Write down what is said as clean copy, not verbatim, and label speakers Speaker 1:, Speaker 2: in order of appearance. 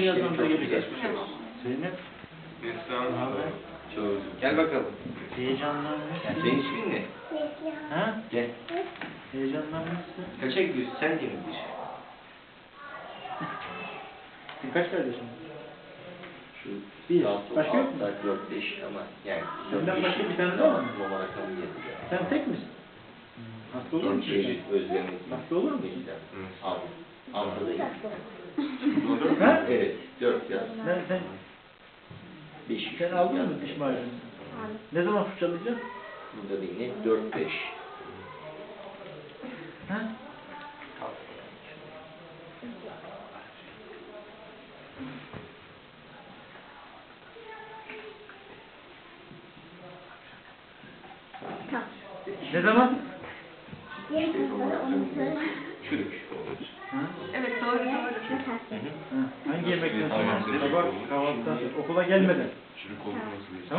Speaker 1: birazdan da
Speaker 2: çok
Speaker 1: gelecek.
Speaker 2: güzel.
Speaker 1: Zeynep.
Speaker 3: Neslihan.
Speaker 2: Çok. Gel bakalım.
Speaker 1: Heyecanlanmışsın.
Speaker 2: Senin ismin ne?
Speaker 1: Ha?
Speaker 2: Gel.
Speaker 1: Heyecanlanmışsın.
Speaker 2: Kaça gidiyorsun? Sen 21.
Speaker 1: Kaç kardeşin?
Speaker 2: Şu
Speaker 1: Bir.
Speaker 2: altı,
Speaker 1: Başka yok mu?
Speaker 2: 4, 5 ama yani.
Speaker 1: Senden başka bir tane daha var mı?
Speaker 2: Roma rakamı yazıyor.
Speaker 1: Sen tek misin? Hasta olur
Speaker 2: 4
Speaker 1: musun?
Speaker 2: çeşit özlemek.
Speaker 1: Hasta olur musun?
Speaker 2: Avrupa'dayım.
Speaker 1: Ha?
Speaker 2: Evet. 4 yaz.
Speaker 1: Sen
Speaker 2: 5.
Speaker 1: sen aldın mı diş macunu? Ne zaman fırçalayacaksın?
Speaker 2: Burada bir net 4, 5.
Speaker 1: Ha? Ne zaman?
Speaker 2: Çürük.
Speaker 1: Ha?
Speaker 4: Evet doğru.
Speaker 1: Ha. Hangi yemekten sonra? Sabah kahvaltıdan sonra okula gelmeden.
Speaker 3: Çürük olması
Speaker 1: Tamam.